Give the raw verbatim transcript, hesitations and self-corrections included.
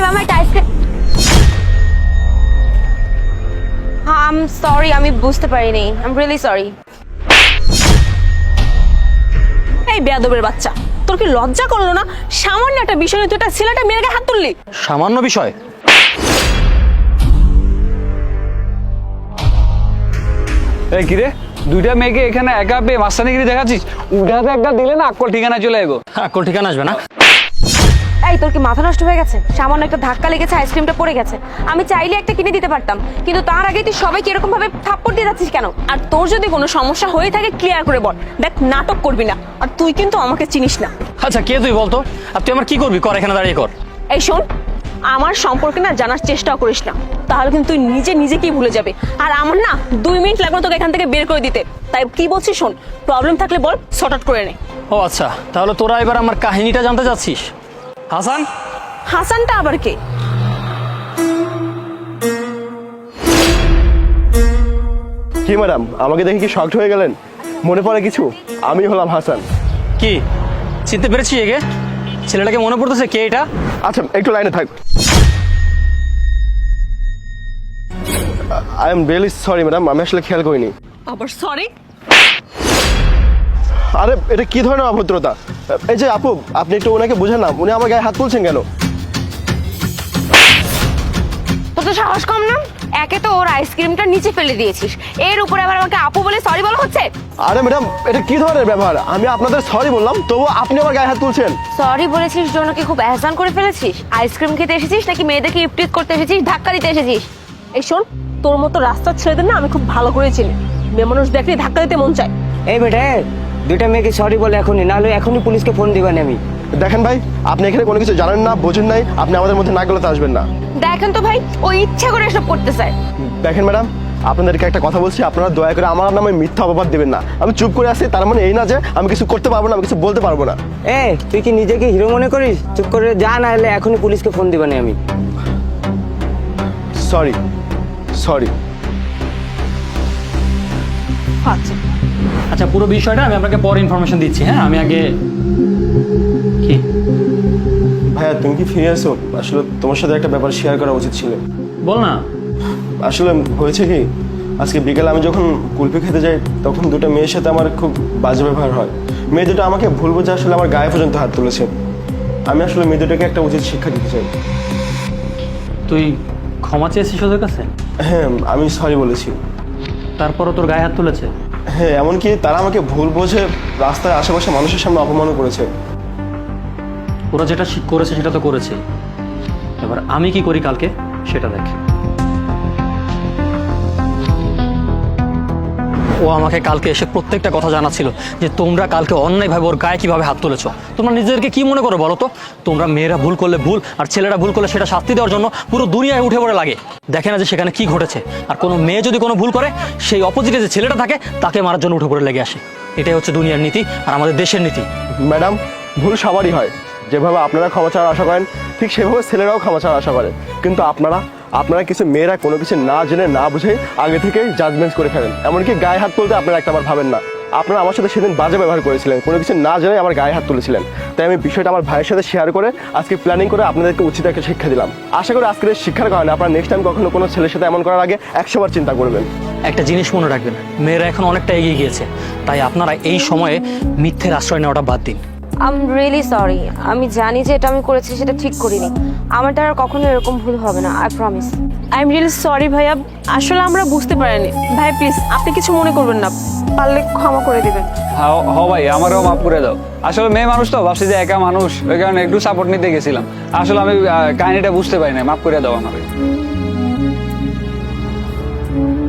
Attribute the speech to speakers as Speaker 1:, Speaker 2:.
Speaker 1: মামা একটা আইসক্রিম। হ্যাঁ আই এম সরি, আমি বুঝতে পারিনি, আই এম রিয়েলি সরি।
Speaker 2: এই বেয়াদবের বাচ্চা, তোর কি লজ্জা করলো না? সামান্য একটা বিষয় নিয়ে তুই একটা ছেলেটা মেয়ের গায়ে হাত তুললি।
Speaker 3: সামান্য বিষয়?
Speaker 4: এই কিরে, দুইটা মেয়েকে এখানে একা পেয়ে মাস্তানিগিরি দেখাচ্ছিস? উঠাতে একটা দিলে না আক্কল ঠিকানা চলে যাবো।
Speaker 3: আক্কল ঠিকানা আসবে না?
Speaker 1: এই তোর কি মাথা নষ্ট হয়ে গেছে? সামান্য একটা ধাক্কা লেগেছে, আইসক্রিমটা পড়ে গেছে, আমি চাইলে একটা কিনে দিতে পারতাম, কিন্তু তার আগে তুই সবাইকে এরকম ভাবে থাপ্পড় দিয়ে যাচ্ছিস কেন?
Speaker 2: আর তোর যদি কোনো সমস্যা হয়ে থাকে ক্লিয়ার করে বল, দেখ নাটক করবি না। আর তুই কিন্তু আমাকে চিনিস না।
Speaker 3: আচ্ছা কে তুই বলতো? আর তুই আমার কি করবি? কর, এখানে দাঁড়িয়ে কর।
Speaker 2: এই শোন, আমার সম্পর্কে না জানার চেষ্টাও করিস না, তাহলে কিন্তু তুই নিজে নিজেকেই ভুলে যাবে। আর আমার না দুই মিনিট লাগবে তোকে এখান থেকে বের করে দিতে। তাই কি বলছিস শোন, প্রবলেম থাকলে বল, সর্ট আউট করে নে।
Speaker 3: ও আচ্ছা, তাহলে তোরা এবার আমার কাহিনীটা জানতে চাচ্ছিস? হাসান?
Speaker 2: হাসানটা আবার কে?
Speaker 5: কি ম্যাডাম, আমাকে দেখে কি শকড হয়ে গেলেন? মনে পড়ে কিছু? আমি হলাম হাসান।
Speaker 3: কি চিনতে পেরেছিস একে? ছেলেটাকে মনে পড়তেছে কে এটা?
Speaker 5: আচ্ছা একটু লাইনে থাক। I am really sorry madam, আমি আসলে খেয়াল করিনি।
Speaker 2: আবার সরি?
Speaker 5: আরে এটা কি ধরনের অভদ্রতা? এই যে আপু, আপনি একটু ওনাকে বুঝেন না, উনি আমার গায়ে হাত তুলছেন কেন?
Speaker 1: তোর তো সাহস কম না? একে তো ওর আইসক্রিমটা নিচে ফেলে দিয়েছিস, এর উপরে আবার আমাকে আপু বলে সরি বলা হচ্ছে।
Speaker 5: আরে ম্যাডাম, এটা কি ধরনের ব্যবহার? আমি আপনাদের সরি বললাম, তবুও আপনি আমার গায়ে হাত তুলছেন।
Speaker 1: সরি বলেছিস জন্য কি খুব এহসান করে ফেলেছিস? আইসক্রিম খেতে এসেছিস নাকি মেয়েদেরকে ইপটিট করতে এসেছিস, ধাক্কা দিতে এসেছিস?
Speaker 2: এই শোন, তোর মতো রাস্তার ছেলেদের না আমি খুব ভালো করে চিনি। মেয়ে মানুষ দেখলে ধাক্কা দিতে মন চায়।
Speaker 6: এই বেটা, দুইটা মেয়েকে সরি বলে এখনই, নাহলে এখনই পুলিশকে ফোন দিবেন আমি।
Speaker 5: দেখেন ভাই, আপনি এখানে কোনো কিছু জানেন না, বোঝেন নাই, আপনি আমাদের মধ্যে না গেলে আসবেন না।
Speaker 1: দেখেন তো ভাই, ও ইচ্ছা করে এসব করতে চায়।
Speaker 5: দেখেন ম্যাডাম, আপনাদেরকে একটা কথা বলছি, আপনারা দয়া করে আমার নামে মিথ্যা অপবাদ দিবেন না। আমি চুপ করে আছি তার মানে এই না যে আমি কিছু করতে পারবো না, আমি কিছু বলতে পারবো না।
Speaker 6: এ তুই কি নিজেকে হিরো মনে করিস? চুপ করে যা, না হলে এখনই পুলিশকে ফোন দিবেন আমি।
Speaker 5: Sorry sorry.
Speaker 2: আচ্ছা
Speaker 3: আচ্ছা, পুরো বিষয়টা আমি আপনাকে পরে ইনফরমেশন দিচ্ছি। হ্যাঁ, আমি আগে কি
Speaker 5: ভাইয়া তুমি কি ফিরে আসো? আসলে তোমার সাথে একটা ব্যাপার শেয়ার করা উচিত ছিল।
Speaker 3: বল না।
Speaker 5: আসলে হয়েছে কি, আজকে বিকেলে আমি যখন কুলফি খেতে যাই তখন দুটো মেয়ের সাথে আমার খুব বাজে ব্যবহার হয়। মেয়ে দুটো আমাকে ভুল বোঝে আসলে আমার গায়ে পর্যন্ত হাত তুলেছে। আমি আসলে মেয়ে দুটোকে একটা উচিত শিক্ষা দিতে চাই।
Speaker 3: তুই ক্ষমা চেয়েছিস ওদের কাছে?
Speaker 5: হ্যাঁ, আমি সরি বলেছি।
Speaker 3: তারপরও তোর গায়ে হাত তুলেছে?
Speaker 5: হ্যাঁ, এমনকি তারা আমাকে ভুল বোঝে রাস্তায় আশেপাশে মানুষের সামনে অপমানও করেছে।
Speaker 3: ওরা যেটা ঠিক করেছে সেটা তো করেছে, এবার আমি কি করি কালকে সেটা দেখ। ও আমাকে কালকে এসে প্রত্যেকটা কথা জানাচ্ছিল যে তোমরা কালকে অন্যায়ভাবে ওর গায়ে কিভাবে হাত তুলেছো। তোমরা নিজেদেরকে কি মনে করো বলো তো? তোমরা মেয়েরা ভুল করলে ভুল, আর ছেলেরা ভুল করলে সেটা শাস্তি দেওয়ার জন্য পুরো দুনিয়ায় উঠে পড়ে লাগে। দেখে না যে সেখানে কি ঘটেছে? আর কোনো মেয়ে যদি কোনো ভুল করে, সেই অপোজিটে যে ছেলেটা থাকে তাকে মারার জন্য উঠে পড়ে লেগে আসে। এটাই হচ্ছে দুনিয়ার নীতি আর আমাদের দেশের নীতি।
Speaker 5: ম্যাডাম, ভুল সবারই হয়। যেভাবে আপনারা ক্ষমা চাওয়ার আশা করেন, ঠিক সেভাবে ছেলেরাও ক্ষমা চাওয়ার আশা করে। কিন্তু আপনারা আপনারা কিছু মেয়েরা কোনো কিছু না জেনে না বুঝে আগে থেকেই জাজমেন্ট করে ফেলেন। এমনকি গায়ে হাত তুলতে আপনারা একটাবার ভাবেন না। আপনারা আমার সাথে সেদিন বাজে ব্যবহার করেছিলেন, কোনো কিছু না জেনে আমার গায়ে হাত তুলেছিলেন। তাই আমি বিষয়টা আমার ভাইয়ের সাথে শেয়ার করে আজকে প্ল্যানিং করে আপনাদেরকে উচিত একটা শিক্ষা দিলাম। আশা করি আজকের এই শিক্ষার কারণে আপনারা নেক্সট টাইম কখনো কোনো ছেলের সাথে এমন করার আগে একশো বার চিন্তা করবেন।
Speaker 3: একটা জিনিস মনে রাখবেন, মেয়েরা এখন অনেকটা এগিয়ে গিয়েছে, তাই আপনারা এই সময়ে মিথ্যের আশ্রয় নেওয়াটা বাদ দিন।
Speaker 1: আই এম রিয়েলি সরি, আমি জানি যে এটা আমি করেছি সেটা ঠিক করিনি, আমার দ্বারা কখনো এরকম ভুল হবে না, I promise.
Speaker 2: I am really sorry ভাইয়া, আসলে আমরা বুঝতে পারিনি। ভাই প্লিজ আপনি কিছু মনে করবেন না, পারলে ক্ষমা করে দিবেন।
Speaker 4: হ্যাঁ হ ভাই, আমারও মাফ করে দাও। আসলে মেয়ে মানুষ তো, ভাবছি যে একা মানুষ, ওই কারণে একটু সাপোর্ট নিতে গেছিলাম। আসলে আমি আহ, কাহিনীটা বুঝতে পারি না, মাফ করে দাও আমাকে।